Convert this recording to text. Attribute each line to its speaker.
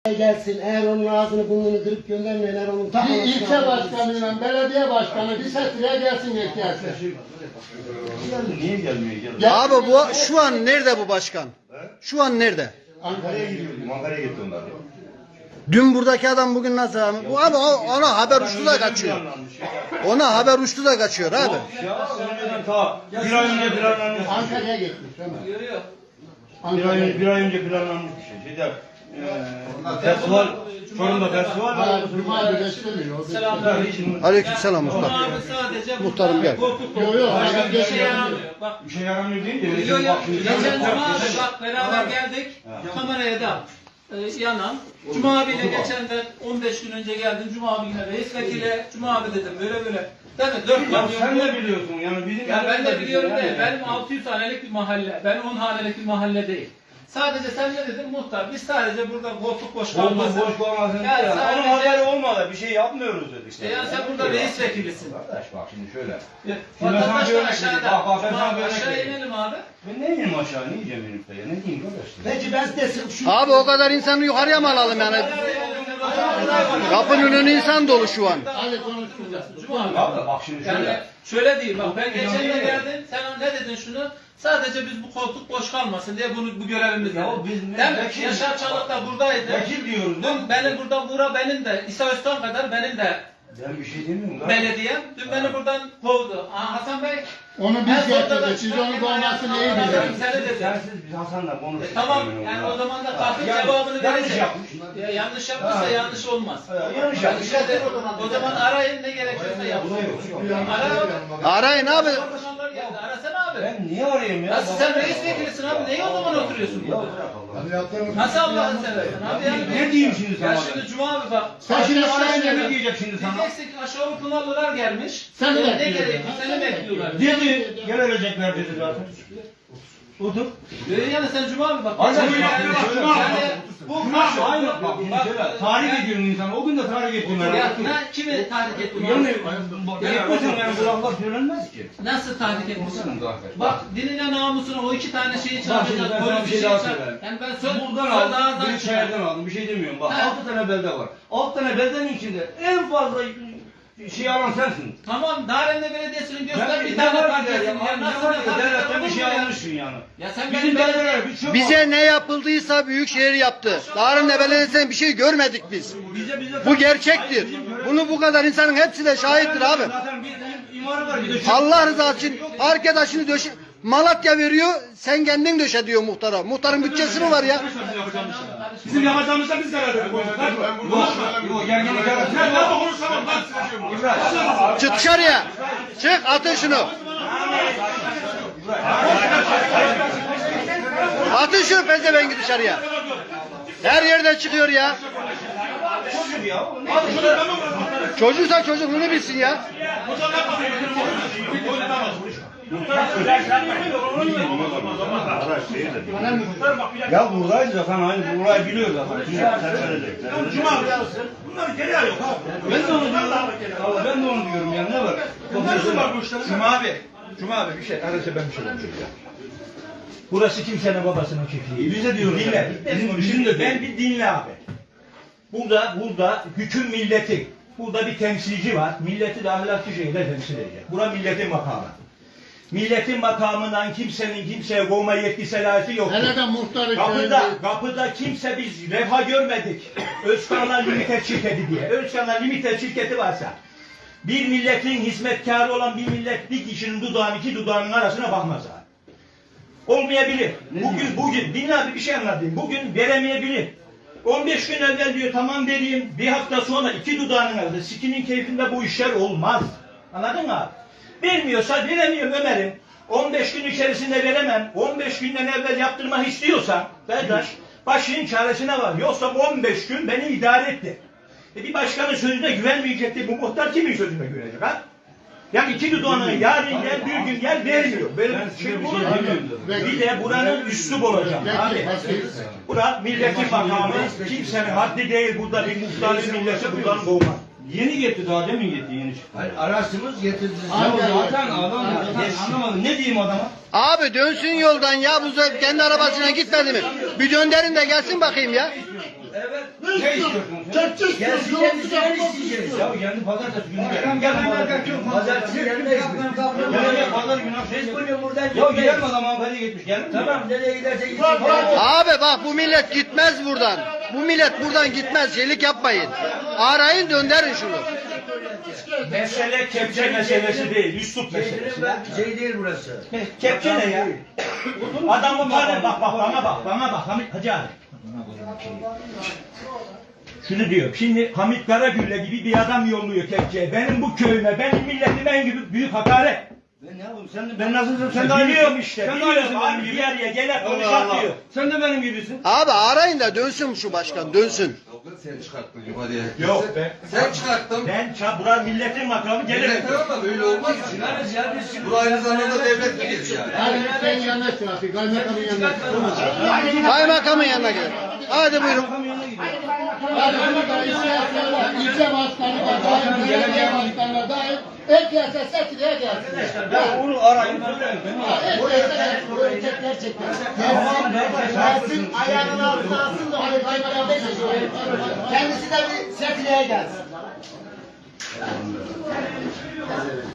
Speaker 1: Gelsin, eğer onun ağzını burnunu kırıp göndermeyin, eğer onun
Speaker 2: Bir ilçe başkanıyla belediye başkanı bir sesliğe gelsin ihtiyaçlar.
Speaker 3: Niye gelmiyor?
Speaker 4: Abi bu şu an nerede bu başkan? Şu an nerede?
Speaker 3: Ankara'ya gidiyor. Ankara'ya gitti onlar.
Speaker 4: Dün buradaki adam bugün nasıl abi? Bu abi ona haber uçtu da kaçıyor. Ona haber uçtu da kaçıyor abi.
Speaker 3: Ya önceden ta bir ay önce planlanmış.
Speaker 2: Ankara'ya gitmiş.
Speaker 3: Bir ay önce planlanmış bir şey. Şeyde festival, Çorum'da festival var.
Speaker 2: Cuma günü istemiyor.
Speaker 4: Aleykümselam muhtar. Muhtarım gel.
Speaker 2: Yok yok.
Speaker 3: Bir şey yaramıyor deyince.
Speaker 5: Geçen Cuma abi bak beraber geldik. Kameraya da yanan. Cuma abiyle geçenden 15 gün önce geldim. Cuma abi yine reis vekile. Cuma abi dedim böyle böyle. Değil mi? 4
Speaker 3: Ya
Speaker 5: kamyon.
Speaker 3: sen de biliyorsun yani bizim.
Speaker 5: Ya ben de biliyorum değil. Benim 600 hanelik bir mahalle. Ben 10 hanelik bir mahalle değil. Sadece sen ne dedin muhtar? Biz sadece burada koltuk boş kalmasın.
Speaker 3: Boş kalmasın.
Speaker 5: Ya
Speaker 3: Onun
Speaker 5: sadece...
Speaker 3: haberi olmadı. Bir şey yapmıyoruz dedik.
Speaker 5: İşte ya sen burada reis vekilisin.
Speaker 3: Kardeş bak şimdi şöyle.
Speaker 5: Vatandaş da
Speaker 3: Bak,
Speaker 5: aşağıda.
Speaker 3: ben sana bir örnek
Speaker 5: Aşağı
Speaker 3: vereyim.
Speaker 5: inelim abi.
Speaker 3: Ben ne yiyeyim aşağı? Ne yiyeceğim inip de ya? Ne diyeyim kardeş?
Speaker 1: Peki ben size şu...
Speaker 4: Abi o kadar insanı yukarıya mı alalım yani? Kapının önü insan dolu şu an.
Speaker 5: Hadi konuşmayacaksın. Cuma abi.
Speaker 3: Abi bak şimdi
Speaker 5: Yani
Speaker 3: şöyle.
Speaker 5: şöyle değil bak ben geçen de geldim. Sen ne dedin şunu? Sadece biz bu koltuk boş kalmasın diye bu görevimiz.
Speaker 3: Ya biz ne-
Speaker 5: Değil mi?
Speaker 3: vekil-
Speaker 5: Yaşar Çalık da buradaydı.
Speaker 3: Vekil diyoruz.
Speaker 5: Dün benim burada Buğra benim de İsa Özkan kadar benim de
Speaker 3: Ben bir şey demiyorum. lan.
Speaker 5: belediyem. Dün beni buradan kovdu. Hasan Bey.
Speaker 2: Onu
Speaker 5: en
Speaker 2: biz
Speaker 5: sonunda da
Speaker 2: getirdik. Siz onu kovmasını iyi
Speaker 5: çıkarken
Speaker 2: bilirsiniz.
Speaker 5: Seni dedi.
Speaker 3: Sensiz biz Hasan'la konuştuk.
Speaker 5: Tamam yani o zaman da kalkıp
Speaker 3: Yani
Speaker 5: cevabını
Speaker 3: yanlış
Speaker 5: verecek.
Speaker 3: yapmış.
Speaker 5: Ya yanlış yapmışsa
Speaker 3: Ha.
Speaker 5: yanlış olmaz.
Speaker 3: Yanlış
Speaker 5: Yani
Speaker 3: yapmış.
Speaker 5: işte o zaman arayın ne gerekiyorsa yapın. Ara.
Speaker 4: Arayın abi.
Speaker 5: Başkanlar geldi. Arasana abi.
Speaker 3: Ben niye arayayım ya?
Speaker 5: Ya sen reis vekilisin abi. Neyi o zaman oturuyorsun burada? Nasıl Allah'ını seversen abi yani.
Speaker 3: Ne diyeyim şimdi sana?
Speaker 5: Ya şimdi Cuma abi bak.
Speaker 3: Sen şimdi
Speaker 5: aşağı
Speaker 3: arayınca ne
Speaker 5: inelim.
Speaker 3: diyecek şimdi sana?
Speaker 5: Diyeceksin ki aşağı Pınarlılar gelmiş.
Speaker 2: Seni
Speaker 5: Ne
Speaker 2: bekliyorlar.
Speaker 5: gerekiyor? Seni bekliyorlar.
Speaker 3: Dedi, gelecekler dedi zaten. Otur.
Speaker 5: Yani sen Cuma abi bak.
Speaker 3: Aynen.
Speaker 5: Yani bu
Speaker 3: Aynen. Bak şimdi şöyle, tarih ediyorum insanı. O gün de tarih ettim
Speaker 5: Ya
Speaker 3: herhalde.
Speaker 5: kimi tahrik ettin?
Speaker 3: Yani, yapmasın yani bu laflar söylenmez ki.
Speaker 5: Nasıl tahrik etmişsin?
Speaker 3: Bak.
Speaker 5: Bak dinine namusuna o iki tane şeyi
Speaker 3: Bak şimdi ben
Speaker 5: çağıracak.
Speaker 3: sana bir şey daha söyleyeyim.
Speaker 5: Yani ben söz
Speaker 3: Buradan
Speaker 5: söz
Speaker 3: aldım,
Speaker 5: ağızdan
Speaker 3: bir
Speaker 5: çıkar.
Speaker 3: içeriden aldım. Bir şey demiyorum. Bak
Speaker 5: Ha.
Speaker 3: 6 tane belde var. 6 tane beldenin içinde en fazla şey alan sensin.
Speaker 5: Tamam Darende Belediyesi'nin göster
Speaker 3: Ben
Speaker 5: bir tane
Speaker 3: var
Speaker 5: parçasını.
Speaker 3: ya,
Speaker 5: Ya nasıl
Speaker 3: ne var
Speaker 5: bir
Speaker 3: ya, devletten bir şey almışsın yani.
Speaker 5: Ya sen
Speaker 3: Bizim
Speaker 5: benim belediye...
Speaker 3: belediyeler bir çöp
Speaker 4: Bize ne yapıldıysa Büyükşehir yaptı. Darın'da belediyesinden bir şey görmedik biz.
Speaker 3: bize
Speaker 4: Bu gerçektir. Bunu bu kadar insanın hepsi de şahittir abi.
Speaker 3: Zaten bir imarı var bir de çöp.
Speaker 4: Allah rızası için arkadaşını döşe... Malatya veriyor, sen kendin döşe diyor muhtara. Muhtarın bütçesi mi var ya?
Speaker 3: Bizim yapacağımızda biz karar verdik. Yok gerginlik yaratıyor. Ben de konuşamam.
Speaker 4: Çık dışarıya. Çık atın şunu. Atın şu pezevengi dışarıya. Her yerden çıkıyor ya.
Speaker 3: Çocuk ya.
Speaker 4: Çocuksa çocukluğunu bilsin ya.
Speaker 3: Ya buradayız zaten aynı burayı biliyor zaten. Cuma bunlar geri alıyor. Ben de onu diyorum. Allah ben de onu diyorum ya ne var? Nasıl var bu işler?
Speaker 6: Cuma abi bir şey, arası ben bir şey konuşayım ya. Burası kimsenin babasının çiftliği.
Speaker 3: Bize diyoruz.
Speaker 6: Dinle.
Speaker 3: Bizim de
Speaker 6: Ben bir dinle abi. Burada hüküm milleti. Burada bir temsilci var. Milleti de ahlaklı şekilde temsil edecek. Bura milletin makamı. Milletin makamından kimsenin kimseye kovma yetki selahiyeti yok.
Speaker 2: Hele de muhtarı
Speaker 6: Kapıda kimse biz refah görmedik. Özkanlar Limited şirketi diye. Özkanlar Limited şirketi varsa bir milletin hizmetkarı olan bir millet bir kişinin dudağının iki dudağının arasına bakmaz abi. Olmayabilir. Bugün dinle abi bir şey anlatayım. Bugün veremeyebilir. 15 gün evvel diyor tamam vereyim. Bir hafta sonra iki dudağının arasında sikinin keyfinde bu işler olmaz. Anladın mı abi? Vermiyorsa veremiyorum Ömer'im. 15 gün içerisinde veremem. 15 günden evvel yaptırmak istiyorsan kardeş başının çaresine var. Yoksa 15 gün beni idare etti. Bir başkanın sözüne güvenmeyecekti. Bu muhtar kimin sözüne güvenecek ha? Yani iki dudağını yarın gel bir gün gel vermiyor. Böyle bir şey olur mu? Bir de buranın üslup olacak abi. Bura milletin makamı. Kimsenin haddi değil burada bir muhtarın milleti buradan kovmaz.
Speaker 3: Yeni gitti daha demin gitti yeni çıktı.
Speaker 1: Hayır, araçımız getirdi.
Speaker 3: Zaten adam anlamadım. Ne diyeyim adama?
Speaker 4: Abi dönsün yoldan ya. Bu kendi arabasına gitmedi mi? Bir döndürün de gelsin bakayım ya.
Speaker 3: Evet. Ne istiyorsun sen?
Speaker 2: Kepçe istiyoruz. Yolcu istiyoruz.
Speaker 3: Ya kendi pazartesi günü gelin.
Speaker 7: Pazartesi gelmeyiz.
Speaker 3: Ya pazar günü
Speaker 7: Biz bugün buradan
Speaker 3: Ya
Speaker 7: gitmeyiz.
Speaker 3: gidelim adam hanımefendi gitmiş gelin mi?
Speaker 7: Tamam nereye giderse gitsin.
Speaker 4: Abi bak bu millet gitmez buradan. Bu millet buradan gitmez. Yelik yapmayın. Arayın döndürün şunu.
Speaker 6: Mesele kepçe meselesi değil, üslup meselesi.
Speaker 7: Şey değil burası.
Speaker 6: Kepçe ne ya? Adamı var bak bana bak Hamit Hacı abi. Şunu diyor. Şimdi Hamit Karagülle gibi bir adam yolluyor kepçeye. Benim bu köyüme, benim milletime en gibi büyük hakaret.
Speaker 3: Ben ne yapayım? Ben nasılsın? Sen de
Speaker 6: Biliyorum işte.
Speaker 3: Sen de
Speaker 6: Biliyorum
Speaker 3: aynısın
Speaker 6: abi
Speaker 3: benim gibi.
Speaker 6: bir araya gene
Speaker 3: Allah
Speaker 6: konuşak
Speaker 3: Allah.
Speaker 6: diyor.
Speaker 3: Sen de benim gibisin.
Speaker 4: Abi arayın da dönsün şu başkan dönsün.
Speaker 8: Sen çıkarttın yukarıya.
Speaker 6: Yok be.
Speaker 8: Sen çıkarttın.
Speaker 6: Buranın milletin makamı gene.
Speaker 8: Millet ama böyle olmaz ki. Bu aynı zamanda devlet gelir yani.
Speaker 2: Hadi sen yanına çık. Kaymakamın yanına çık.
Speaker 4: Kaymakamın yanına gel. Hadi buyurun.
Speaker 2: Hadi burada ilçe başkanı da dahil, belediye başkanı da dahil. Herkese setliğe gelsin.
Speaker 3: Ya onu arayın.
Speaker 1: Gelsin ayağının altına alsın da onu kaymakam beşiyor. Kendisi de bir setliğe gelsin.